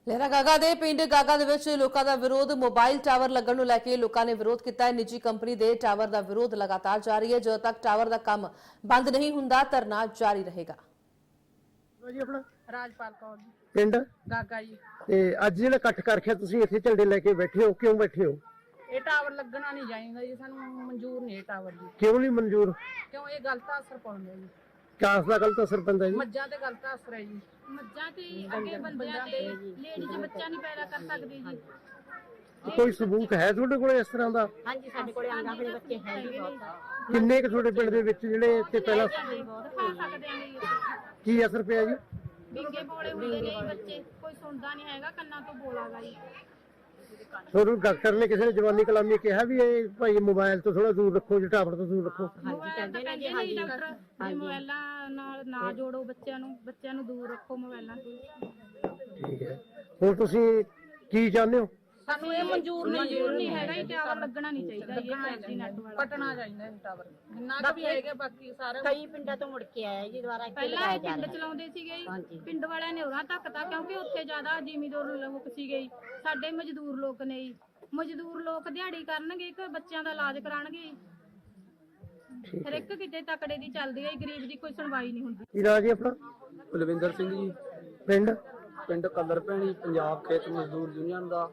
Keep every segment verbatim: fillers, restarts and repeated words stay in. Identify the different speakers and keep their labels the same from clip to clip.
Speaker 1: ਲਹਿਰਾ ਗਾਗਾ ਦੇ ਪਿੰਡ ਗਾਗਾ ਦੇ ਵਿੱਚ ਲੋਕਾਂ ਦਾ ਵਿਰੋਧ ਮੋਬਾਈਲ ਟਾਵਰ ਲੱਗਣ ਨੂੰ ਲੈ ਕੇ ਲੋਕਾਂ ਨੇ ਵਿਰੋਧ ਕੀਤਾ ਹੈ। ਨਿੱਜੀ ਕੰਪਨੀ ਦੇ ਟਾਵਰ ਦਾ ਵਿਰੋਧ ਲਗਾਤਾਰ ਜਾਰੀ ਹੈ। ਜਦੋਂ ਤੱਕ ਟਾਵਰ ਦਾ ਕੰਮ ਬੰਦ ਨਹੀਂ ਹੁੰਦਾ ਧਰਨਾ ਜਾਰੀ ਰਹੇਗਾ।
Speaker 2: ਜੀ ਆਪਣਾ
Speaker 3: ਰਾਜਪਾਲ ਕੌਰ ਜੀ
Speaker 2: ਪਿੰਡ
Speaker 3: ਗਾਗਾ ਜੀ।
Speaker 2: ਤੇ ਅੱਜ ਜਿਹੜਾ ਇਕੱਠ ਕਰ ਰੱਖਿਆ ਤੁਸੀਂ ਇੱਥੇ ਝੰਡੇ ਲੈ ਕੇ ਬੈਠੇ ਹੋ, ਕਿਉਂ ਬੈਠੇ ਹੋ?
Speaker 3: ਇਹ ਟਾਵਰ ਲੱਗਣਾ ਨਹੀਂ ਚਾਹੀਦਾ ਜੀ, ਸਾਨੂੰ ਮਨਜ਼ੂਰ ਨਹੀਂ ਇਹ ਟਾਵਰ ਜੀ।
Speaker 2: ਕਿਉਂ ਨਹੀਂ ਮਨਜ਼ੂਰ?
Speaker 3: ਕਿਉਂ ਇਹ ਗਲਤ ਅਸਰ ਪਾਉਂਦਾ ਜੀ,
Speaker 2: ਕਾਸ ਦਾ ਗਲਤ ਅਸਰ ਪੈਂਦਾ ਜੀ?
Speaker 3: ਮੱਝਾਂ ਤੇ ਗਲਤ ਅਸਰ ਹੈ ਜੀ।
Speaker 4: ਮੱਝਾਂ ਤੇ ਅੱਗੇ ਬੰਦਿਆਂ ਤੇ ਲੇਡੀਜ਼ ਬੱਚਾ ਨਹੀਂ ਪੈਦਾ ਕਰ ਸਕਦੀ ਜੀ।
Speaker 2: ਕੋਈ ਸਬੂਤ ਹੈ ਤੁਹਾਡੇ ਕੋਲ ਇਸ ਤਰ੍ਹਾਂ ਦਾ?
Speaker 4: ਹਾਂਜੀ ਸਾਡੇ ਕੋਲੇ ਆਂਗਣਵਾੜੀ ਬੱਚੇ ਹੈ ਜੀ ਬਹੁਤ।
Speaker 2: ਕਿੰਨੇ ਕੁ ਤੁਹਾਡੇ ਪਿੰਡ ਦੇ ਵਿੱਚ ਜਿਹੜੇ ਇੱਥੇ ਪਹਿਲਾਂ
Speaker 4: ਦਿਖਾ ਸਕਦੇ ਆਂ ਜੀ।
Speaker 2: ਕੀ ਅਸਰ ਪਿਆ ਜੀ?
Speaker 4: ਬਿੰਗੇ ਬੋਲੇ ਹੁੰਦੇ ਨੇ ਜੀ ਬੱਚੇ, ਕੋਈ ਸੁਣਦਾ ਨਹੀਂ ਹੈਗਾ, ਕੰਨਾਂ ਤੋਂ ਬੋਲਾਗਾ ਜੀ।
Speaker 2: ਤੁਹਾਨੂੰ ਡਾਕਟਰ ਨੇ ਕਿਸੇ ਨੇ ਜਵਾਨੀ ਕਲਾਮੀ ਕਿਹਾ ਵੀ ਇਹ ਭਾਈ ਮੋਬਾਈਲ ਤੋਂ ਥੋੜਾ ਦੂਰ ਰੱਖੋ, ਜਾਂ ਟਾਵਰ ਤੋਂ ਦੂਰ ਰੱਖੋ?
Speaker 4: ਹਾਂਜੀ ਕਹਿੰਦੇ ਨੇ ਜੀ, ਹਾਂਜੀ ਡਾਕਟਰ ਜੀ ਮੋਬਾਈਲਾਂ ਨਾਲ ਨਾ ਜੋੜੋ ਬੱਚਿਆਂ ਨੂੰ, ਬੱਚਿਆਂ ਨੂੰ ਦੂਰ ਰੱਖੋ ਮੋਬਾਈਲਾਂ ਤੋਂ।
Speaker 2: ਠੀਕ ਹੈ, ਹੁਣ ਤੁਸੀਂ ਕੀ ਚਾਹੁੰਦੇ ਹੋ?
Speaker 3: ਸਾਨੂੰ ਇਹ ਮਨਜ਼ੂਰ ਨਹੀਂ
Speaker 4: ਨਹੀਂ ਹੈਗਾ ਜੀ, ਟਾਵਰ ਲੱਗਣਾ ਨਹੀਂ ਚਾਹੀਦਾ ਜੀ। ਫਾਈਵ ਜੀ ਨੈਟ ਵਾਲਾ
Speaker 3: ਪਟਣਾ ਚਾਹੀਦਾ ਇਹ ਟਾਵਰ, ਜਿੰਨਾ ਕੁ ਵੀ ਹੈਗਾ ਬਾਕੀ ਸਾਰੇ
Speaker 4: ਕਈ ਪਿੰਡਾਂ ਤੋਂ ਮੁੜ ਕੇ ਆਇਆ ਜੀ ਦੁਬਾਰਾ। ਪਹਿਲਾਂ ਇਹ ਪਿੰਡ ਚਲਾਉਂਦੇ ਸੀਗੇ ਜੀ, ਪਿੰਡ ਵਾਲਿਆਂ ਨੇ ਉਹਨਾਂ ਧੱਕਤਾ ਕਿਉਂਕਿ ਉੱਥੇ ਜ਼ਿਆਦਾ ਜ਼ਿਮੀਂਦਾਰ ਲੋਕ ਸੀਗੇ। ਸਾਡੇ ਮਜ਼ਦੂਰ ਲੋਕ ਨੇ ਜੀ, ਮਜ਼ਦੂਰ ਲੋਕ ਦਿਹਾੜੀ ਕਰਨਗੇ ਇੱਕ ਬੱਚਿਆਂ ਦਾ ਇਲਾਜ ਕਰਾਉਣਗੇ। ਹਰ ਇੱਕ ਕਿਤੇ ਤਕੜੇ ਦੀ ਚੱਲਦੀ ਹੈ, ਗਰੀਬ ਦੀ ਕੋਈ ਸੁਣਵਾਈ ਨਹੀਂ ਹੁੰਦੀ।
Speaker 2: ਕੀ ਨਾਂ ਜੀ ਆਪਣਾ?
Speaker 5: ਬਲਵਿੰਦਰ ਸਿੰਘ ਜੀ,
Speaker 2: ਪਿੰਡ
Speaker 5: ਪਿੰਡ ਕਲਰ ਭੈਣੀ, ਪੰਜਾਬ ਖੇਤ ਮਜ਼ਦੂਰ ਯੂਨੀਅਨ ਦਾ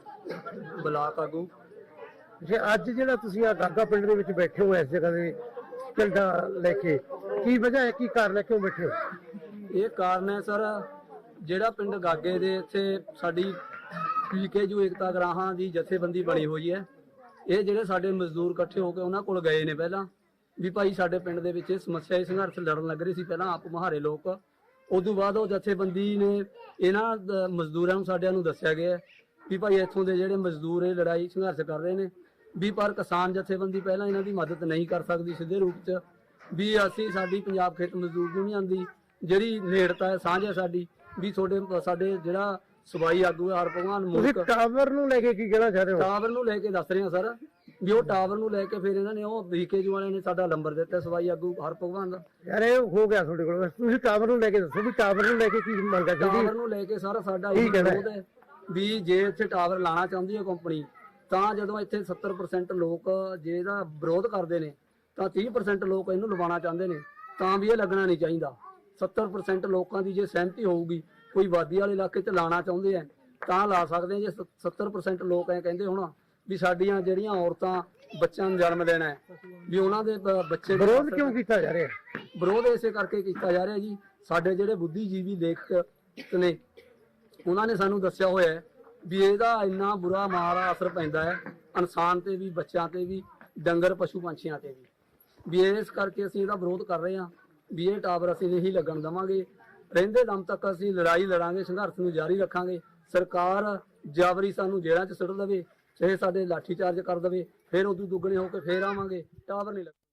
Speaker 5: ਬਲਾਕ ਆਗੂ।
Speaker 2: ਜੇ ਅੱਜ ਜਿਹੜਾ ਤੁਸੀਂ ਆ ਗਾਗਾ ਪਿੰਡ ਦੇ ਵਿੱਚ ਬੈਠੇ ਹੋ ਇਸ ਜਗ੍ਹਾ ਦੇ ਝੰਡਾ ਲੈ ਕੇ, ਕੀ ਵਜ੍ਹਾ ਹੈ, ਕੀ ਕਾਰਨ ਹੈ, ਕਿਉਂ ਬੈਠੇ ਹੋ?
Speaker 5: ਇਹ ਕਾਰਨ ਹੈ ਸਰ, ਜਿਹੜਾ ਪਿੰਡ ਗਾਗੇ ਦੇ ਇੱਥੇ ਸਾਡੀ ਪੀਕੇਯੂ ਏਕਤਾ ਗਰਾਹਾਂ ਦੀ ਜਥੇਬੰਦੀ ਬਣੀ ਹੋਈ ਹੈ। ਇਹ ਜਿਹੜੇ ਸਾਡੇ ਮਜ਼ਦੂਰ ਇਕੱਠੇ ਹੋ ਕੇ ਉਹਨਾਂ ਕੋਲ ਗਏ ਨੇ ਪਹਿਲਾਂ ਵੀ ਭਾਈ ਸਾਡੇ ਪਿੰਡ ਦੇ ਵਿੱਚ ਇਹ ਸਮੱਸਿਆ, ਇਹ ਸੰਘਰਸ਼ ਲੜਨ ਲੱਗ ਰਹੇ ਸੀ ਪਹਿਲਾਂ ਆਪ ਮੁਹਾਰੇ ਲੋਕ। ਉਦੋਂ ਬਾਅਦ ਉਹ ਜਥੇਬੰਦੀ ਨੇ ਇਹਨਾਂ ਦ- ਮਜ਼ਦੂਰਾਂ ਨੂੰ ਸਾਡਿਆਂ ਨੂੰ ਦੱਸਿਆ ਗਿਆ ਵੀ ਭਾਈ ਇੱਥੋਂ ਦੇ ਜਿਹੜੇ ਮਜ਼ਦੂਰ ਇਹ ਲੜਾਈ ਸੰਘਰਸ਼ ਕਰ ਰਹੇ ਨੇ ਵੀ ਪਰ ਕਿਸਾਨ ਜਥੇਬੰਦੀ ਪਹਿਲਾਂ ਇਹਨਾਂ ਦੀ ਮਦਦ ਨਹੀਂ ਕਰ ਸਕਦੀ ਸਿੱਧੇ ਰੂਪ 'ਚ, ਵੀ ਅਸੀਂ ਸਾਡੀ ਪੰਜਾਬ ਖੇਤ ਮਜ਼ਦੂਰ ਯੂਨੀਅਨ ਦੀ ਜਿਹੜੀ ਨੇੜਤਾ ਹੈ, ਸਾਂਝ ਹੈ ਸਾਡੀ, ਵੀ ਤੁਹਾਡੇ ਸਾਡੇ ਜਿਹੜਾ ਸਬਾਈ ਆਗੂ ਹੈ ਹਰ ਭਗਵਾਨ
Speaker 2: ਤੁਸੀਂ
Speaker 5: ਮੁਲਕ
Speaker 2: ਟਾਵਰ ਨੂੰ ਲੈ ਕੇ ਕੀ ਕਹਿਣਾ ਚਾਹ ਰਹੇ ਹੋ?
Speaker 5: ਟਾਵਰ ਨੂੰ ਲੈ ਕੇ ਦੱਸ ਰਹੇ ਹਾਂ ਸਰ, ਵੀ ਉਹ ਟਾਵਰ ਨੂੰ ਲੈ ਕੇ ਫਿਰ ਇਹਨਾਂ ਨੇ ਉਹ ਬੀਕੇਯੂ ਵਾਲਿਆਂ ਨੇ ਸਾਡਾ ਨੰਬਰ ਦਿੱਤਾ ਸਬਾਈ ਆਗੂ ਹਰ ਭਗਵਾਨ ਦਾ।
Speaker 2: ਯਾਰ ਇਹ ਹੋ ਗਿਆ ਤੁਹਾਡੇ ਕੋਲ, ਤੁਸੀਂ ਟਾਵਰ ਨੂੰ ਲੈ ਕੇ ਦੱਸੋ ਵੀ ਟਾਵਰ ਨੂੰ ਲੈ ਕੇ ਕੀ ਮੰਗਾ ਚਾਹੀਦੀ?
Speaker 5: ਟਾਵਰ ਨੂੰ ਲੈ ਕੇ ਸਰ ਸਾਡਾ ਇਹ ਵਿਰੋਧ ਹੈ ਵੀ ਜੇ ਇੱਥੇ ਟਾਵਰ ਲਾਣਾ ਚਾਹੁੰਦੀ ਹੈ ਕੰਪਨੀ, ਤਾਂ ਜਦੋਂ ਇੱਥੇ ਸੱਤਰ ਪਰਸੈਂਟ ਲੋਕ ਜੇ ਇਹਦਾ ਵਿਰੋਧ ਕਰਦੇ ਨੇ ਤਾਂ ਤੀਹ ਪਰਸੈਂਟ ਲੋਕ ਇਹਨੂੰ ਲਵਾਉਣਾ ਚਾਹੁੰਦੇ ਨੇ, ਤਾਂ ਵੀ ਇਹ ਲੱਗਣਾ ਨਹੀਂ ਚਾਹੀਦਾ। ਸੱਤਰ ਪਰਸੈਂਟ ਲੋਕਾਂ ਦੀ ਜੇ ਸਹਿਮਤੀ ਹੋਊਗੀ, ਕੋਈ ਵਾਦੀ ਵਾਲੇ ਇਲਾਕੇ 'ਚ ਲਾਣਾ ਚਾਹੁੰਦੇ ਆ ਤਾਂ ਲਾ ਸਕਦੇ ਆ। ਜੇ ਸੱਤਰ ਪਰਸੈਂਟ ਲੋਕ ਐ ਕਹਿੰਦੇ ਹੁਣ ਵੀ ਸਾਡੀਆਂ ਜਿਹੜੀਆਂ ਔਰਤਾਂ ਬੱਚਿਆਂ ਨੂੰ ਜਨਮ ਦੇਣਾ ਹੈ ਵੀ ਉਹਨਾਂ ਦੇ ਬ- ਬੱਚੇ ਦੇ
Speaker 2: ਵਿਰੋਧ ਕਿਉਂ ਕੀਤਾ ਜਾ ਰਿਹਾ?
Speaker 5: ਵਿਰੋਧ ਇਸੇ ਕਰਕੇ ਕੀਤਾ ਜਾ ਰਿਹਾ ਜੀ, ਸਾਡੇ ਜਿਹੜੇ ਬੁੱਧੀਜੀਵੀ ਲੇਖਕ ਨੇ ਉਹਨਾਂ ਨੇ ਸਾਨੂੰ ਦੱਸਿਆ ਹੋਇਆ ਹੈ ਵੀ ਇਹਦਾ ਇੰਨਾ ਬੁਰਾ ਮਾੜਾ ਅਸਰ ਪੈਂਦਾ ਹੈ ਇਨਸਾਨ ਤੇ ਵੀ, ਬੱਚਿਆਂ ਤੇ ਵੀ, ਡੰਗਰ ਪਸ਼ੂ ਪੰਛੀਆਂ ਤੇ ਵੀ, ਵੀ ਇਸ ਕਰਕੇ ਅਸੀਂ ਇਹਦਾ ਵਿਰੋਧ ਕਰ ਰਹੇ ਹਾਂ ਵੀ ਇਹ ਟਾਵਰ ਅਸੀਂ ਨਹੀਂ ਲੱਗਣ ਦੇਵਾਂਗੇ। ਰਹਿੰਦੇ ਦਮ ਤੱਕ ਅਸੀਂ ਲੜਾਈ ਲੜਾਂਗੇ, ਸੰਘਰਸ਼ ਨੂੰ ਜਾਰੀ ਰੱਖਾਂਗੇ। ਸਰਕਾਰ ਜਾਬਰੀ ਸਾਨੂੰ ਜੇਲ੍ਹਾਂ 'ਚ ਸੁੱਟ ਦੇਵੇ, ਚਾਹੇ ਸਾਡੇ ਲਾਠੀ ਚਾਰਜ ਕਰ ਦੇਵੇ, ਫਿਰ ਉਦੋਂ ਦੁੱਗਣੇ ਹੋ ਕੇ ਫੇਰ ਆਵਾਂਗੇ। ਟਾਵਰ ਨਹੀਂ ਲੱਗ